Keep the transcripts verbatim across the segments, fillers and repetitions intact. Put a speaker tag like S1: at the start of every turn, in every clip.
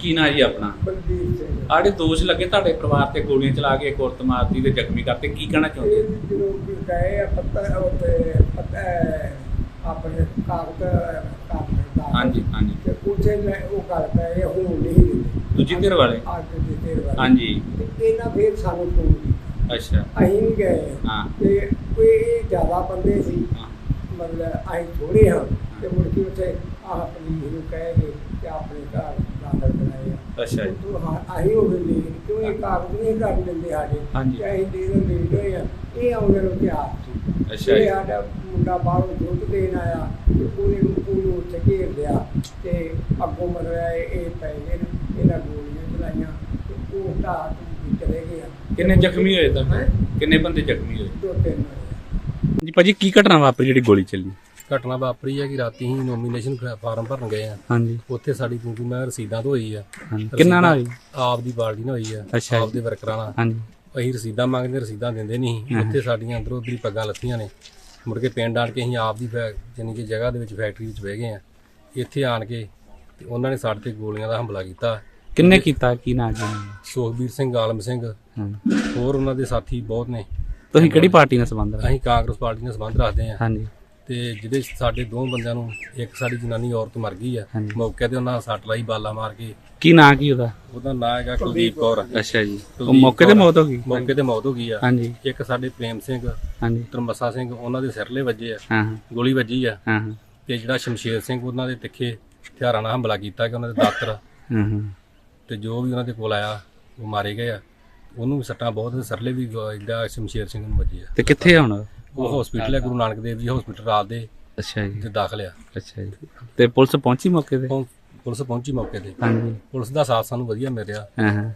S1: ਕੀ ਨਾਂ ਜੀ ਆਪਣਾ?
S2: ਬਲਦੀਪ ਸਿੰਘ।
S1: ਆੜੇ ਦੋਸ਼ ਲੱਗੇ ਤੁਹਾਡੇ ਪਰਿਵਾਰ ਤੇ ਗੋਲੀਆਂ ਚਲਾ ਕੇ ਇੱਕ ਔਰਤ ਮਾਰਤੀ ਤੇ ਜ਼ਖਮੀ ਕਰਤੇ, ਕੀ ਕਹਿਣਾ ਚਾਹੁੰਦੇ
S2: ਇਹ ਜਦੋਂ ਗਏ ਆ ਪੱਤਰ ਉੱਤੇ ਪੱਤਰ ਆਪਣੇ ਕਾਗਜ਼ ਕਾਗਜ਼ ਦਾ
S1: ਹਾਂਜੀ ਹਾਂਜੀ
S2: ਤੇ ਉੱਥੇ ਮੈਂ ਉਹ ਗੱਲ ਪਏ ਹੁਣ ਨਹੀਂ ਦਿੰਦੇ
S1: ਦੂਜੀ ਧਿਰ ਵਾਲੇ?
S2: ਅੱਜ ਦੀ ਧਿਰ ਵਾਲੇ
S1: ਹਾਂਜੀ।
S2: ਤੇ ਇਹਨਾਂ ਫਿਰ ਸਾਨੂੰ ਫੋਨ ਕੀਤਾ,
S1: ਅੱਛਾ।
S2: ਅਸੀਂ ਵੀ ਗਏ
S1: ਹਾਂ।
S2: ਤੇ ਕੋਈ ਜ਼ਿਆਦਾ ਬੰਦੇ ਸੀ,
S1: ਹਾਂ।
S2: ਮਤਲਬ ਅਸੀਂ ਥੋੜ੍ਹੇ ਹਾਂ ਤੇ ਮੁੜ ਕੇ ਉੱਥੇ ਆਹ ਪੁਲਿਸ ਨੂੰ ਕਹਿ ਕੇ ਤੇ ਆਪਣੇ ਘਰ ਦਾਖਲ ਕਰਾਏ ਆ।
S1: ਅੱਛਾ ਜੀ।
S2: ਉੱਥੋਂ ਹਾਂ ਅਸੀਂ ਉਹ ਵੀ ਕਿਉਂ ਇਹ ਕਾਗਜ਼ ਨਹੀਂ ਕਰ ਦਿੰਦੇ ਸਾਡੇ
S1: ਹਾਂਜੀ।
S2: ਤੇ ਅਸੀਂ ਦੇ ਦਿੰਦੇ ਹੋਏ ਆ ਇਹ ਆਉਂਦੇ ਨੂੰ ਤਿਆਰ ਸੀ।
S1: ਅੱਛਾ
S2: ਇਹ
S1: ਜੀ।
S2: ਸਾਡਾ ਮੁੰਡਾ ਬਾਹਰੋਂ ਦੁੱਧ ਦੇਣ ਆਇਆ ਤੇ ਉਹਨੇ ਨੂੰ ਉਹਨੂੰ ਉੱਥੇ ਘੇਰ ਲਿਆ ਤੇ ਅੱਗੋਂ ਮਤਲਬ ਇਹ ਇਹ ਪੈ ਗਏ ਨੇ, ਇਹਨਾਂ ਗੋਲੀਆਂ ਚਲਾਈਆਂ ਤੇ ਉਹ ਢਾਹ ਢੂਹ ਕੇ ਚਲੇ ਗਏ ਆ।
S1: ਕਿੰਨੇ ਜ਼ਖਮੀ ਹੋਏ ਤਾਂ?
S2: ਹੈਂ?
S1: ਕਿੰਨੇ ਬੰਦੇ ਜ਼ਖਮੀ ਹੋਏ?
S2: ਦੋ ਤਿੰਨ ਹੋਏ।
S1: ਜੀ ਭਾਜੀ ਕੀ ਘਟਨਾ ਵਾਪਰੀ ਜਿਹੜੀ ਗੋਲੀ ਚੱਲੀ?
S3: ਘਟਨਾ ਵਾਪਰੀ ਹੈ ਕਿ ਰਾਤੀ ਹੀ ਨੋਮੀਨੇਸ਼ਨ ਫਾਰਮ ਭਰਨ ਗਏ ਆ,
S1: ਹਾਂਜੀ
S3: ਉੱਥੇ ਸਾਡੀ ਕਿਉਂਕਿ ਮੈਂ ਰਸੀਦਾਂ ਤੋਂ ਹੋਈ ਆ।
S1: ਹਾਂਜੀ। ਕਿੰਨਾ ਨਾਲ ਹੋਈ?
S3: ਆਪ ਦੀ ਬਾਲਦੀ ਨਾਲ ਹੋਈ ਆ,
S1: ਅੱਛਾ ਜੀ।
S3: ਆਪ ਦੇ ਵਰਕਰਾਂ ਨਾਲ।
S1: ਹਾਂਜੀ
S3: ਅਸੀਂ ਰਸੀਦਾਂ ਮੰਗਦੇ, ਰਸੀਦਾਂ ਦਿੰਦੇ ਨਹੀਂ ਸੀ। ਉੱਥੇ ਸਾਡੀਆਂ ਅੰਦਰੋਂ ਉੱਧਰੀ ਪੱਗਾਂ ਲੱਥੀਆਂ ਨੇ। ਮੁੜ ਕੇ ਪਿੰਡ ਆਣ ਕੇ ਅਸੀਂ ਆਪ ਦੀ ਜਾਨੀ ਕਿ ਜਗ੍ਹਾ ਦੇ ਵਿੱਚ ਫੈਕਟਰੀ ਵਿੱਚ ਬਹਿ ਗਏ ਆ। ਇੱਥੇ ਆਣ ਕੇ ਤੇ ਉਹਨਾਂ ਨੇ ਸਾਡੇ ਤੇ ਗੋਲੀਆਂ ਦਾ ਹਮਲਾ ਕੀਤਾ।
S1: ਕਿੰਨੇ ਕੀਤਾ? ਕੀ ਨਾਂ ਜੀ?
S3: ਸੁਖਬੀਰ ਸਿੰਘ, ਆਲਮ ਸਿੰਘ,
S1: ਹਾਂ।
S3: ਹੋਰ ਉਹਨਾਂ ਦੇ ਸਾਥੀ ਬਹੁਤ ਨੇ।
S1: ਤੁਸੀਂ ਕਿਹੜੀ ਪਾਰਟੀ ਨਾਲ ਸੰਬੰਧ ਰੱਖਦੇ?
S3: ਅਸੀਂ ਕਾਂਗਰਸ ਪਾਰਟੀ ਨਾਲ ਸੰਬੰਧ ਰੱਖਦੇ ਆ।
S1: ਹਾਂਜੀ
S3: ਤੇ ਜਿਹਦੇ ਸਾਡੇ ਦੋ ਬੰਦਿਆਂ ਨੂੰ, ਇੱਕ ਸਾਡੀ ਜਨਾਨੀ ਔਰਤ ਮਰ ਗਈ ਆ
S1: ਹਾਂਜੀ।
S3: ਮੌਕੇ ਤੇ, ਉਹਨਾਂ ਸੱਟ ਲਾਈ ਬਾਲਾ ਮਾਰ ਕੇ।
S1: ਕੀ ਨਾਂ ਕੀ ਉਹਦਾ?
S3: ਉਹਦਾ ਨਾਂ ਹੈਗਾ ਕੁਲਦੀਪ ਕੌਰ।
S1: ਅੱਛਾ ਜੀ। ਉਹ ਮੌਕੇ ਤੇ ਮੌਤ ਹੋ ਗਈ?
S3: ਮੌਕੇ ਤੇ ਮੌਤ ਹੋ ਗਈ ਆ।
S1: ਹਾਂਜੀ
S3: ਇੱਕ ਸਾਡੇ ਪ੍ਰੇਮ ਸਿੰਘ,
S1: ਹਾਂਜੀ।
S3: ਤਰਮਸਾ ਸਿੰਘ, ਉਹਨਾਂ ਦੇ ਸਿਰਲੇ ਵੱਜੇ ਆ,
S1: ਹਾਂ ਹਾਂ
S3: ਗੋਲੀ ਵੱਜੀ ਆ।
S1: ਹਾਂ ਹਾਂ
S3: ਤੇ ਜਿਹੜਾ ਸ਼ਮਸ਼ੇਰ ਸਿੰਘ, ਉਹਨਾਂ ਦੇ ਤਿੱਖੇ ਹਥਿਆਰਾਂ ਨਾਲ ਹਮਲਾ ਕੀਤਾ ਕਿ ਉਹਨਾਂ ਦੇ ਦਾਤਰ
S1: ਹਾਂ ਹਾਂ
S3: ਤੇ ਜੋ ਵੀ ਉਹਨਾਂ ਦੇ ਕੋਲ ਆਇਆ ਉਹ ਮਾਰੇ ਗਏ ਆ। ਉਹਨੂੰ ਵੀ ਸੱਟਾਂ ਬਹੁਤ, ਸਿਰਲੇ ਵੀ ਜਿਹੜਾ ਸ਼ਮਸ਼ੇਰ ਸਿੰਘ ਨੂੰ ਵੱਜੇ ਆ।
S1: ਤੇ ਕਿੱਥੇ ਆ ਹੁਣ?
S3: ਉਹ ਹਸਪੀਟਲ ਹੈ, ਗੁਰੂ ਨਾਨਕ ਦੇਵ ਜੀ ਹਸਪੀਟਲ ਰਾਤ ਦੇ
S1: ਅੱਛਾ ਜੀ।
S3: ਤੇ ਦਾਖਲ ਆ।
S1: ਅੱਛਾ ਜੀ। ਤੇ ਪੁਲਿਸ ਪਹੁੰਚੀ ਮੌਕੇ ਤੇ?
S3: ਹੁਣ ਪੁਲਿਸ ਪਹੁੰਚੀ ਮੌਕੇ ਤੇ।
S1: ਹਾਂਜੀ
S3: ਪੁਲਿਸ ਦਾ ਸਾਥ ਸਾਨੂੰ ਵਧੀਆ ਮਿਲ ਰਿਹਾ।
S1: ਹਾਂ ਹਾਂ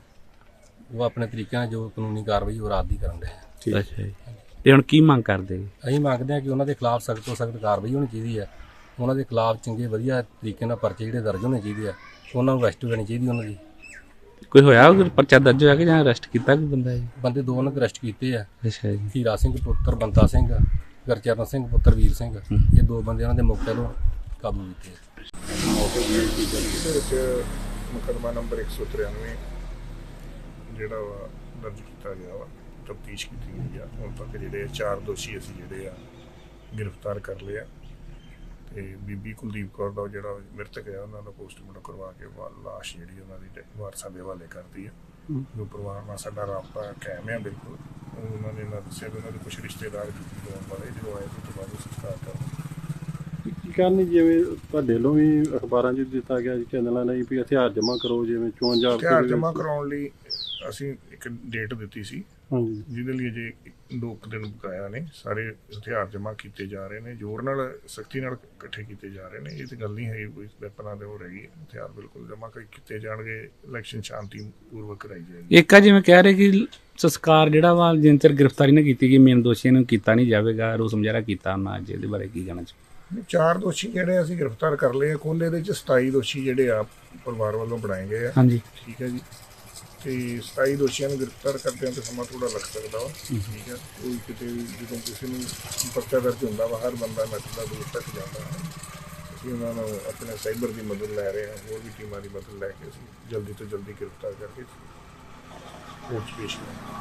S3: ਉਹ ਆਪਣੇ ਤਰੀਕੇ ਨਾਲ ਜੋ ਕਾਨੂੰਨੀ ਕਾਰਵਾਈ ਉਹ ਰਾਤ ਦੀ ਕਰਨ ਰਹੇ।
S1: ਅੱਛਾ ਜੀ। ਤੇ ਹੁਣ ਕੀ ਮੰਗ ਕਰਦੇ?
S3: ਅਸੀਂ ਮੰਗਦੇ ਹਾਂ ਕਿ ਉਹਨਾਂ ਦੇ ਖਿਲਾਫ ਸਖਤ ਤੋਂ ਸਖਤ ਕਾਰਵਾਈ ਹੋਣੀ ਚਾਹੀਦੀ ਹੈ। ਉਹਨਾਂ ਦੇ ਖਿਲਾਫ ਚੰਗੇ ਵਧੀਆ ਤਰੀਕੇ ਨਾਲ ਪਰਚੇ ਜਿਹੜੇ ਦਰਜ ਹੋਣੇ ਚਾਹੀਦੇ ਆ। ਉਹਨਾਂ ਨੂੰ ਅਰੈਸਟ ਕਰਨੀ ਚਾਹੀਦੀ ਉਹਨਾਂ ਦੀ।
S1: ਕੋਈ ਹੋਇਆ ਉਹ ਪਰਚਾ ਦਰਜ ਹੋਇਆ ਕਿ ਜਾਂ ਅਰੈਸਟ ਕੀਤਾ ਕੋਈ ਬੰਦਾ ਜੀ?
S3: ਬੰਦੇ ਦੋ ਉਹਨਾਂ ਦੇ ਅਰੈਸਟ ਕੀਤੇ ਆ।
S1: ਅੱਛਾ ਜੀ।
S3: ਹੀਰਾ ਸਿੰਘ ਪੁੱਤਰ ਬੰਤਾ ਸਿੰਘ, ਗੁਰਚਰਨ ਸਿੰਘ ਪੁੱਤਰ ਵੀਰ ਸਿੰਘ, ਇਹ ਦੋ ਬੰਦੇ ਉਹਨਾਂ ਦੇ ਮੌਕੇ ਤੋਂ ਕਾਬੂ ਕੀਤੇ ਆ।
S4: ਇਹਦੇ ਵਿੱਚ ਮੁਕੱਦਮਾ ਨੰਬਰ ਇੱਕ ਸੌ ਤਰਾਨਵੇਂ ਜਿਹੜਾ ਵਾ ਦਰਜ ਕੀਤਾ ਗਿਆ ਵਾ, ਤਫਤੀਸ਼ ਕੀਤੀ ਗਈ ਆ। ਹੁਣ ਤੱਕ ਜਿਹੜੇ ਚਾਰ ਦੋਸ਼ੀ ਅਸੀਂ ਜਿਹੜੇ ਆ ਗ੍ਰਿਫਤਾਰ ਕਰ ਲਏ ਆ। ਤੇ ਬੀਬੀ ਕੁਲਦੀਪ ਕੌਰ ਦਾ ਜਿਹੜਾ ਮ੍ਰਿਤਕ ਆ, ਉਹਨਾਂ ਦਾ ਪੋਸਟਮਾਰਟਮ ਕਰਵਾ ਕੇ ਲਾਸ਼ ਜਿਹੜੀ ਉਹਨਾਂ ਦੀ ਵਾਰਸਾਂ ਦੇ ਹਵਾਲੇ ਕਰਤੀ ਆ। ਜੋ ਪਰਿਵਾਰ ਨਾਲ ਸਾਡਾ ਰਾਬਤਾ ਕਾਇਮ ਆ ਬਿਲਕੁਲ। ਉਹਨਾਂ ਨੇ ਨਾ ਦੱਸਿਆ ਵੀ ਉਹਨਾਂ ਦੇ ਕੁਛ ਰਿਸ਼ਤੇਦਾਰ ਹੋਣ ਵਾਲੇ, ਜਦੋਂ ਆਏ ਉਸ ਤੋਂ ਬਾਅਦ ਉਹ ਸੰਸਕਾਰ ਕਰ
S5: ਕੀ ਕਰਨੀ, ਜਿਵੇਂ ਤੁਹਾਡੇ ਵੱਲੋਂ ਵੀ ਅਖਬਾਰਾਂ 'ਚ ਦਿੱਤਾ ਗਿਆ ਚੈਨਲਾਂ ਨੇ ਵੀ ਹਥਿਆਰ ਜਮ੍ਹਾਂ ਕਰੋ, ਜਿਵੇਂ ਚੋਣ
S4: ਹਥਿਆਰ ਜਮ੍ਹਾਂ ਕਰਾਉਣ ਲਈ ਅਸੀਂ ਇੱਕ ਡੇਟ ਦਿੱਤੀ ਸੀ,
S5: ਹਾਂਜੀ,
S4: ਜਿਹਦੇ ਲਈ ਅਜੇ ਦੋ ਕੁ ਦਿਨ ਬਕਾਇਆ ਨੇ। ਸਾਰੇ ਹਥਿਆਰ ਜਮ੍ਹਾਂ ਕੀਤੇ ਜਾ ਰਹੇ ਨੇ, ਜ਼ੋਰ ਨਾਲ ਸਖਤੀ ਨਾਲ ਇਕੱਠੇ ਕੀਤੇ ਜਾ ਰਹੇ ਨੇ। ਇਹ ਤਾਂ ਗੱਲ ਨਹੀਂ ਹੈ ਕੋਈ ਵੈਪਨਾਂ ਦੇ ਹੋ ਰਹੀ ਹੈ। ਹਥਿਆਰ ਬਿਲਕੁਲ ਜਮ੍ਹਾਂ ਕੀਤੇ ਜਾਣਗੇ। ਇਲੈਕਸ਼ਨ ਸ਼ਾਂਤੀ ਪੂਰਵਕ ਕਰਾਈ ਜਾਏਗੀ।
S1: ਇੱਕ ਆ ਜਿਵੇਂ ਕਹਿ ਰਹੇ ਕਿ ਸੰਸਕਾਰ ਜਿਹੜਾ ਵਾ ਜਿੰਨ ਚਿਰ ਗ੍ਰਿਫਤਾਰੀ ਨਾ ਕੀਤੀ ਗਈ ਮੇਨ ਦੋਸ਼ੀਆਂ ਨੂੰ ਕੀਤਾ ਨਹੀਂ ਜਾਵੇਗਾ, ਰੋਸ ਮੁਜ਼ਾਹਰਾ ਕੀਤਾ ਉਹਨਾਂ ਅੱਜ। ਇਹਦੇ ਬਾਰੇ ਕੀ ਕਹਿਣਾ ਚਾਹੁੰਦੇ?
S4: ਚਾਰ ਦੋਸ਼ੀ ਜਿਹੜੇ ਅਸੀਂ ਗ੍ਰਿਫਤਾਰ ਕਰ ਲਏ ਆ। ਕੁੱਲ ਇਹਦੇ ਚ ਸਤਾਈ ਦੋਸ਼ੀ ਜਿਹੜੇ ਆ ਪਰਿਵਾਰ ਵੱਲੋਂ ਬਣਾਏ ਗਏ ਆ।
S1: ਹਾਂਜੀ
S4: ਠੀਕ ਹੈ ਜੀ। ਤੇ ਸਤਾਈ ਦੋਸ਼ੀਆਂ ਨੂੰ ਗ੍ਰਿਫਤਾਰ ਕਰਦਿਆਂ ਤੇ ਸਮਾਂ ਥੋੜਾ ਲੱਗ ਸਕਦਾ ਵਾ। ਠੀਕ ਹੈ। ਕੋਈ ਕਿਤੇ ਵੀ ਜਦੋਂ ਕਿਸੇ ਨੂੰ ਪਰਚਾ ਦਰਜ ਹੁੰਦਾ ਵਾ, ਹਰ ਬੰਦਾ ਨੱਠਦਾ ਦੂਰ ਤੱਕ ਜਾਂਦਾ ਹੈ। ਅਸੀਂ ਉਹਨਾਂ ਨੂੰ ਆਪਣੇ ਸਾਈਬਰ ਦੀ ਮਦਦ ਲੈ ਰਹੇ ਹਾਂ, ਹੋਰ ਵੀ ਟੀਮਾਂ ਦੀ ਮਦਦ ਲੈ ਕੇ ਅਸੀਂ ਜਲਦੀ ਤੋਂ ਜਲਦੀ ਗ੍ਰਿਫਤਾਰ ਕਰਕੇ ਕੋਰਟ 'ਚ ਪੇਸ਼ ਕਰਾਂਗੇ।